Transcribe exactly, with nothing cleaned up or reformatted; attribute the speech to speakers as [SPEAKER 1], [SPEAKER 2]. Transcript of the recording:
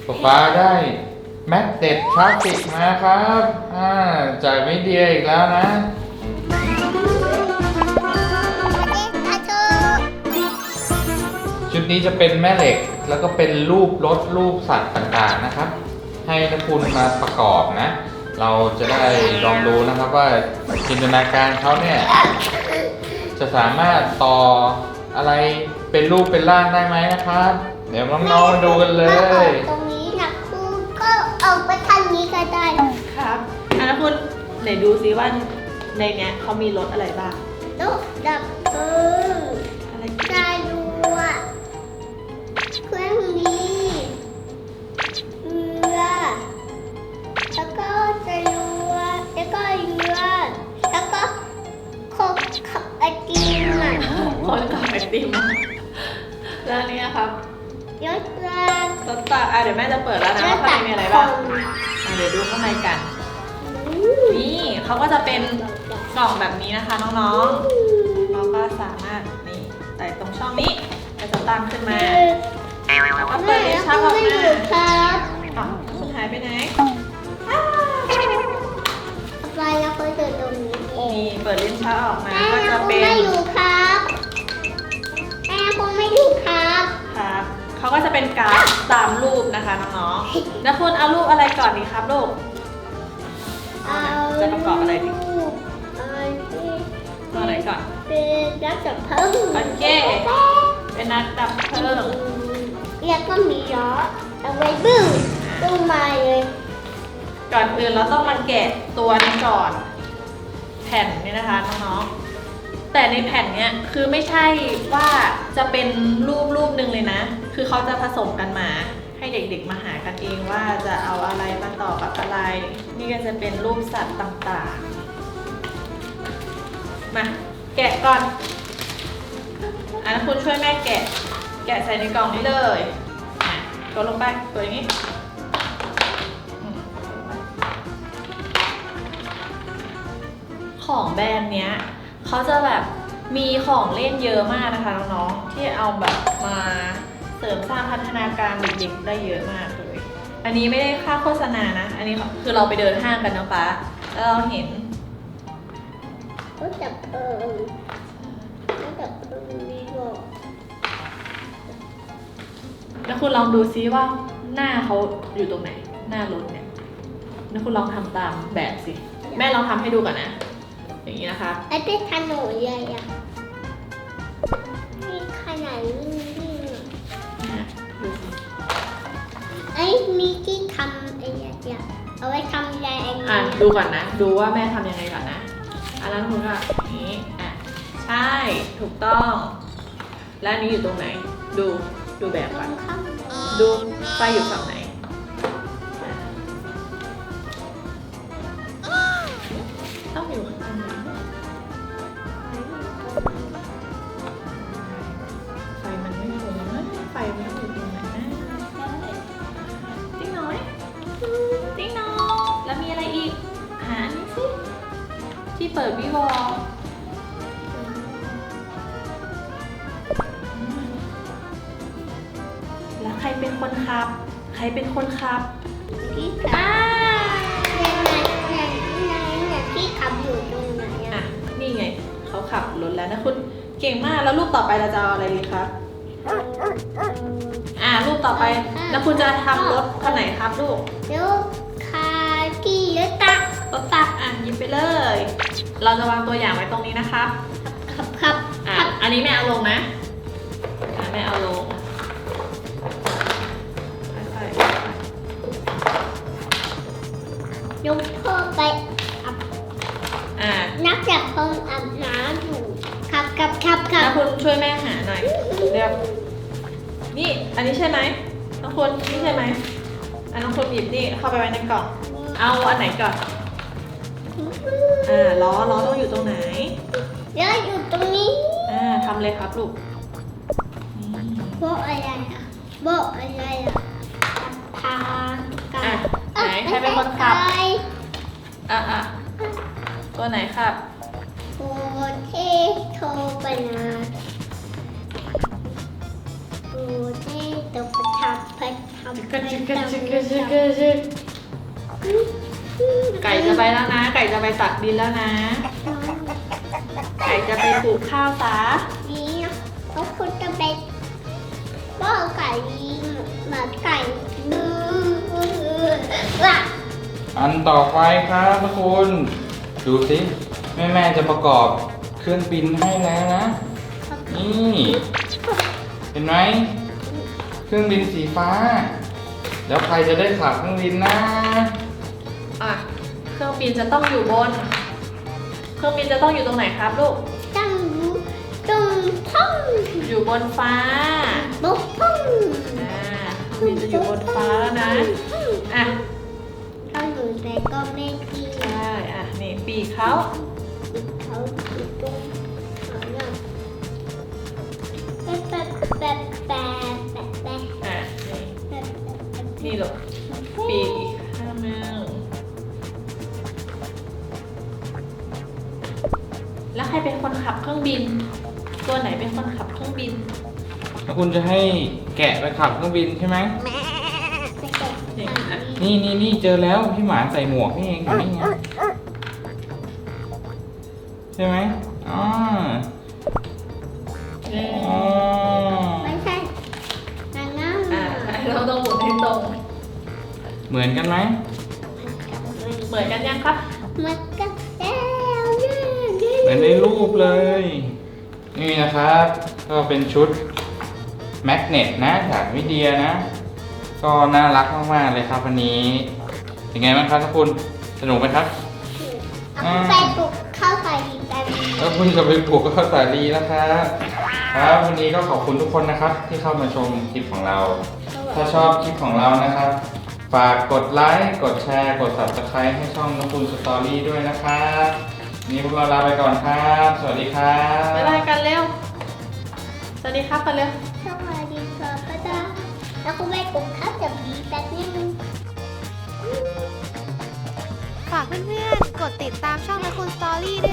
[SPEAKER 1] ป๊าป๊าได้แมกเนตพลาสติกมาครับอ่าจากมิเดียอีกแล้วนะชุดนี้จะเป็นแม่เหล็กแล้วก็เป็นรูปรถรูปสัตว์ต่างๆนะครับให้นักคุณมาประกอบนะเราจะได้ลองดูนะครับว่าจินตนาการเขาเนี่ยจะสามารถต่ออะไรเป็นรูปเป็นร่างได้ไหมนะครับเดี๋ยวน้องๆมาดูกันเลย
[SPEAKER 2] ตรงนี้นะครูก็เอาไปทางนี้ก็ได้
[SPEAKER 3] ครับอ่ะนะคุณไหนดูซิว่าในเนี้ยเขามีรถอะไรบ้าง
[SPEAKER 2] รถดับเพลิง
[SPEAKER 3] อะไร
[SPEAKER 2] จรวดเครื่องบินเรือแล้วก็จรวดแล้วก็เรือแล้วก็คนขับไอติมอ่ะ
[SPEAKER 3] คนขับไอติมแล้วนี่ครับ
[SPEAKER 2] ยศราง
[SPEAKER 3] รถตักอ่ะเดี๋ยวแม่จะเปิดแล้วนะว่าข้างในมีอะไรบ้างอ่ะเดี๋ยวดูข้างในกันนี่เขาก็จะเป็นกล่องแบบนี้นะคะน้องๆเราก็สามารถนี่ใส่ตรงช่องนี้จะสตางค์ขึ้นมาแล้วก็เปิดลิ้นชักออกมา
[SPEAKER 2] ครับ
[SPEAKER 3] อ๋อคุณหายไปไหน
[SPEAKER 2] ไปแล้วก็เดินตรงนี้
[SPEAKER 3] นี่เปิดลิ้นชักออกมา
[SPEAKER 2] ก็จะเป็นแม่อยู่ครับแม่คงไม่อยู่ครับ
[SPEAKER 3] ครับเขาก็จะเป็นการ์ดตามรูปนะคะน้องๆแล้วคุณเอารูปอะไรก่อนดีครับลูกจะประกอบอะไรดีตัวไหนก่อน
[SPEAKER 2] เป็นนักดับเพลิง
[SPEAKER 3] โอเคเป็นนักดับเพลิง
[SPEAKER 2] แล้วก็มีล้อเอาไว้บึ้งตู้มาเลย
[SPEAKER 3] ก่อนอื่นเราต้องมาแกะตัวนี้ก่อนแผ่นนี้นะคะน้องๆแต่ในแผ่นเนี้ยคือไม่ใช่ว่าจะเป็นรูปรูปหนึ่งเลยนะคือเขาจะผสมกันมาให้เด็กๆมาหากันเองว่าจะเอาอะไรมาต่อกับอะไรนี่ก็จะเป็นรูปสัตว์ต่างๆมาแกะก่อนอันนั้นคุณช่วยแม่แกะแกะใส่ในกล่องนี้เลยตัวลงไปตัวอย่างนี้ของแบรนด์เนี้ยเขาจะแบบมีของเล่นเยอะมากนะคะน้องๆที่เอาแบบมาเสริมสร้างพัฒนาการเด็กๆได้เยอะมากเลยอันนี้ไม่ได้ค่าโฆษณานะอันนี้คือเราไปเดินห้างกันนะป๊าแล้วเราเห็น
[SPEAKER 2] ก็จับเอิงก็จับเอิงมีบอก
[SPEAKER 3] แล้วคุณลองดูซิว่าหน้าเขาอยู่ตรงไหนหน้ารถเนี่ยแล้วคุณลองทำตามแบบสิแม่ลองทำให้ดูก่อนนะอย่างนี้นะคะ
[SPEAKER 2] ไอ้เป็นขนมใหญ่อะนี่ขนาดนี้
[SPEAKER 3] นะดูสิ
[SPEAKER 2] ไอ้มีที่ทำไอ้เนี่ยเอาไว้ทำอะไรอันนี้
[SPEAKER 3] อ่ะดูก่อนนะดูว่าแม่ทำยังไงก่อนนะอันนั้นคุณก็อย่างนี้อ่ะใช่ถูกต้องแล้วอันนี้อยู่ตรงไหนดูดูแบบก่อนดูไฟอยู่ฝั่งไหนต้องอยู่ข้างในไฟมันไม่คงนะไฟมันอยู่ตรงไหนนะติ๊งน้อยติ๊งน้อยแล้วมีอะไรอีกหานี่สิที่เปิดวิวอลแล้วใครเป็นคนขับใครเป็นคนขับ
[SPEAKER 2] พี่ขับเนี่ยเนี่ยเนี่ยพี่ขับอยู่ตรงไหนอ่ะ
[SPEAKER 3] นี่ไงเขาขับรถแล้วนะคุณเก่งมากแล้วรูปต่อไปเราจะเอาอะไรดีครับอ่ารูปต่อไปแล้วคุณจะทำรถคันไหนครับลูก
[SPEAKER 2] รถคาที่รถตัก
[SPEAKER 3] รถตักอ่ะหยิบไปเลยเราจะวางตัวอย่างไว้ตรงนี้นะครับ
[SPEAKER 2] ขับขับ
[SPEAKER 3] อ่ะอันนี้แม่เอาลงนะอ่ะแม่เอาลง
[SPEAKER 2] ยกพ่อไปอับนักจับพ่ออาบน้ำอยู่ขับขับขับขับ
[SPEAKER 3] แล้วคุณช่วยแม่หาหน่อยเรียบนี่อันนี้ใช่ไหมน้องคนนี่ใช่ไหมอันน้องคนหยิบนี่เข้าไปไว้ในกล่องเอาอันไหนก่อนอ่าล้อล้อต้องอยู่ตรงไหน
[SPEAKER 2] ล้ออยู่ตรงนี้
[SPEAKER 3] อ่าทำเลยครับลูก
[SPEAKER 2] โบอะไรอ่ะโบอะไรอ่ะทาง
[SPEAKER 3] อ่ะไหนใครเป็นคนขับอ่ะอ่ะตัวไหนครับ
[SPEAKER 2] โอเทโทปนาโอเทโตปทับพัท
[SPEAKER 3] จิกกะจิกกะจิกกะจิกกะจิกไก่จะไปแล้วนะ ไก่จะไปตักดินแล้วนะ ไก่จะไปปลูกข้าวซะ
[SPEAKER 2] นี่แล้วคุณจะไปว่าไก่หมาไก่ดื้อว่ะ
[SPEAKER 1] อันต่อไปครับทุกคนดูสิแม่แม่ๆจะประกอบเครื่องบินให้แล้วนะ นี่เห็นไหมเครื่องบินสีฟ้า แล้วใครจะได้ขับเครื่องบินนะ
[SPEAKER 3] อ่ะ เครื่องบินจะต้องอยู่บน เครื่องบินจะต้องอยู่ตรงไหนครับลูก
[SPEAKER 2] ตั้งรู้ตรงท้อง
[SPEAKER 3] อยู่บนฟ้า
[SPEAKER 2] บุกท้อง
[SPEAKER 3] อ่าเครื่องบินจะอยู่บนฟ้าแล้วนะ อ่ะ
[SPEAKER 2] ถ้าหนูใส่ก็ไม่ดี
[SPEAKER 3] ใช่ อ่ะ นี่ปีกเขา
[SPEAKER 2] เขาอยู่ตรงเขาเนี่ยแบบแบบแบบแบบแบบแบบ
[SPEAKER 3] อ่ะ นี่
[SPEAKER 2] แบบแบบ
[SPEAKER 3] นี่ลูกปีกอีกข้างหนึงแล้วใครเป็นคนขับเครื่องบิน ตัวไหนเป็นคนขับเครื่องบิน
[SPEAKER 1] แล้วคุณจะให้แกะไปขับเครื่องบินใช่ไหม
[SPEAKER 2] ไม่เก็บ
[SPEAKER 3] นี่อ่ะ
[SPEAKER 1] นี่นี่นี่เจอแล้วพี่หมาใส่หมวกนี่เองอยู่นี่ไงใช่ไหมอ๋อ
[SPEAKER 3] นี่
[SPEAKER 1] อ๋อ
[SPEAKER 2] ไม่ใช่นางงาม
[SPEAKER 3] อ่าเราต้องหมุนให้ตรง
[SPEAKER 1] เหมือนกันไหม
[SPEAKER 3] เหมือนกันยังครับ
[SPEAKER 2] มันก็แล้วเนี่ย
[SPEAKER 1] เหมือนในรูปเลย นี่นะครับก็เป็นชุดแมกเนตนะจากวิเดียนะ ก็น่ารักมากๆเลยครับวันนี้เป็นไงบ้างครับทุกคนสนุกไหมครับ
[SPEAKER 2] เอาไปปลุกข้าวใส่ดีกัน
[SPEAKER 1] แล้วคุณจะไปปลูกข้าวสาลีนะครับครับวันนี้ก็ขอบคุณทุกคนนะครับ ที่เข้ามาชมคลิปของเรา ถ้าชอบคลิปของเรานะครับ ฝากกดไลค์กดแชร์กด ซับสไครบ์ ให้ช่องน้องคุณสตอรี่ด้วยนะครับวันนี้พวกเราลาไปก่อนครับ สวัสดีครับ
[SPEAKER 3] บ๊ายบายกันเร็ว สวัสดีครับกันเร็ว
[SPEAKER 2] สวัสดีครับป้าดาแล้วก็ไปปลุกข้าวจับดีแป๊บนึง
[SPEAKER 4] ฝากเพื่อนๆ กดติดตามช่องนักคุณสตอรี่ด้วย